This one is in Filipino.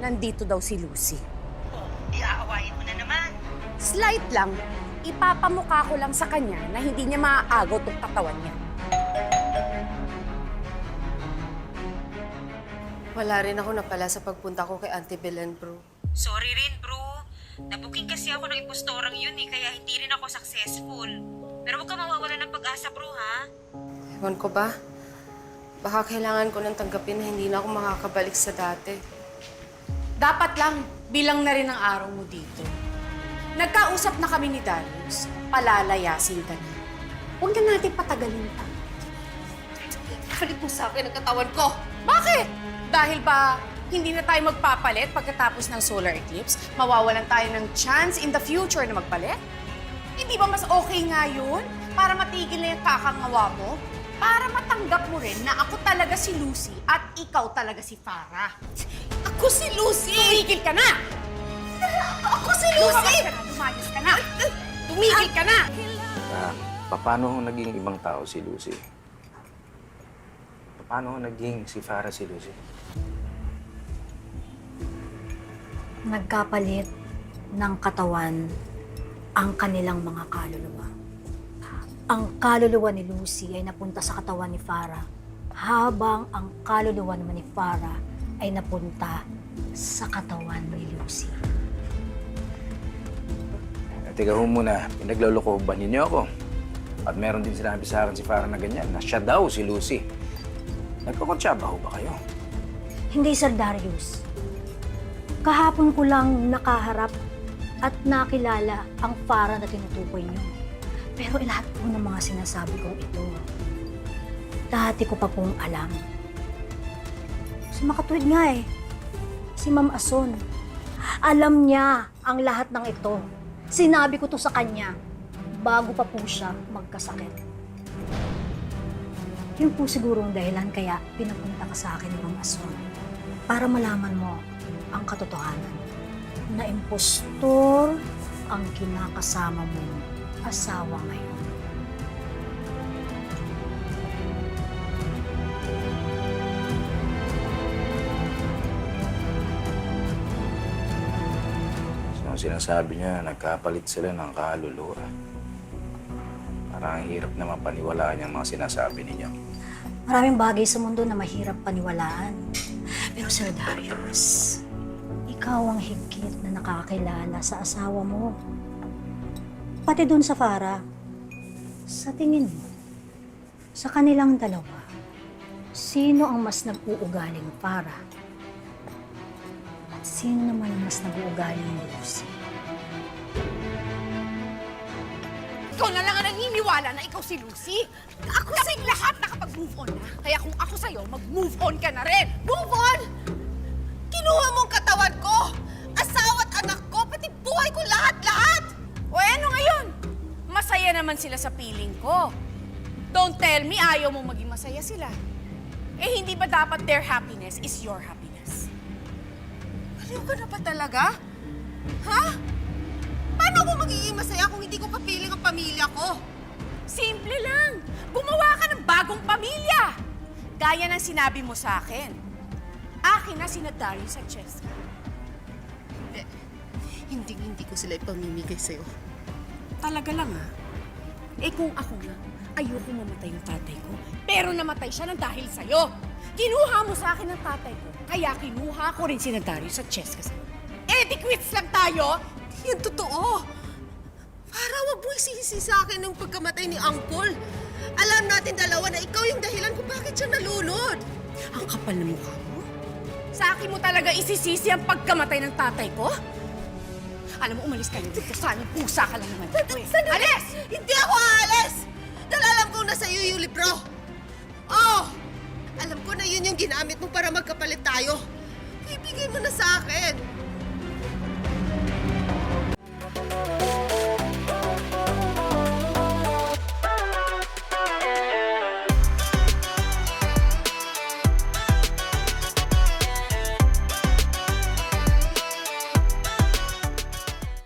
nandito daw si Lucy. Oh, di aawayin mo na naman. Slight lang, ipapamukha ko lang sa kanya na hindi niya maaagaw tong katawan niya. Wala rin ako napala sa pagpunta ko kay Auntie Belen, bro. Sorry rin, bro. Nabuking kasi ako ng impostorang yun kaya hindi rin ako successful. Pero huwag ka mawawala ng pag-asa, bro, ha? Ewan ko ba? Baka kailangan ko nang tanggapin na hindi na ako makakabalik sa dati. Dapat lang, bilang na rin ang araw mo dito. Nagkausap na kami ni Darius, palalayasin ka na. Huwag na natin patagalin pa. Balik mo sa akin ang katawan ko! Bakit? Dahil ba hindi na tayo magpapalit pagkatapos ng solar eclipse? Mawawalan tayo ng chance in the future na magpalit? Hindi ba mas okay nga yun? Para matigil na yung kakangawa mo? Para matanggap mo rin na ako talaga si Lucy at ikaw talaga si Farah. Ako si Lucy! Tumigil ka na! Ako si Lucy! Lumayas ka na! Tumigil ka na! Paano naging ibang tao si Lucy? Paano naging si Farah si Lucy? Nagkapalit ng katawan ang kanilang mga kaluluwa. Ang kaluluwa ni Lucy ay napunta sa katawan ni Farah, habang ang kaluluwa naman ni Farah ay napunta sa katawan ni Lucy. Teka ho muna, pinagloloko ba ninyo ako? At meron din sinabi sa akin si Farah na ganyan, na siya daw si Lucy. Nagkakonsyaba ho ba kayo? Hindi, Sir Darius. Kahapon ko lang nakaharap at nakilala ang Farah na tinutukoy niyo. Pero lahat po ng mga sinasabi kong ito, dati ko pa pong alam. Si makatuwid nga eh, si Ma'am Ason. Alam niya ang lahat ng ito. Sinabi ko to sa kanya bago pa po siya magkasakit. Yun po siguro ang dahilan kaya pinapunta ka sa akin ni Ma'am Ason. Para malaman mo ang katotohanan na impostor ang kinakasama mong asawa ngayon. So, ang sinasabi niya, nagkapalit sila ng kaluluwa. Parang ang hirap naman paniwalaan yung mga sinasabi ninyo. Maraming bagay sa mundo na mahirap paniwalaan. Pero Sir Darius, ikaw ang higit na nakakilala sa asawa mo. Pati dun sa Farah, sa tingin mo, sa kanilang dalawa, sino ang mas nag-uugaling Farah? At sino naman ang mas nag-uugaling Lucy? Ikaw na lang ang naniniwala na ikaw si Lucy. Ako sa lahat nakapag-move on na. Kaya kung ako sa'yo, mag-move on ka na rin. Move on! Kinuha mong katawan ko! Asawa at anak ko! Pati buhay ko lahat-lahat! O ano ngayon? Masaya naman sila sa piling ko. Don't tell me ayaw mong maging masaya sila. Eh hindi ba dapat their happiness is your happiness? Aliw ka na ba talaga? Ha? Paano ako magiging masaya kung hindi ko papiling ang pamilya ko? Simple lang. Gumawa ka ng bagong pamilya. Gaya ng sinabi mo sa akin. Akin na sina Darius at Cheska. Hindi ko sila ipamimigay sa'yo. Talaga lang ah. Eh kung ako nga, ayoko mamatay yung tatay ko. Pero namatay siya ng dahil sa'yo. Kinuha mo sa akin ang tatay ko. Kaya kinuha ko rin sina Darius at Cheska sa'yo. Eh di quits lang tayo. Yan totoo. Para wag mo isisi sa akin ng pagkamatay ni Uncle. Alam natin dalawa na ikaw yung dahilan kung bakit siya nalunod. Ang kapal na mukha mo. Sa akin mo talaga isisisi ang pagkamatay ng tatay ko? Alam mo, umalis ka na dito. Sana pusa ka lang naman dito eh. Alis! Hindi ako aalis! Dahil alam kong nasa iyo yung libro. Oh! Alam ko na yun yung ginamit mo para magkapalit tayo. Ibigay mo na sa akin.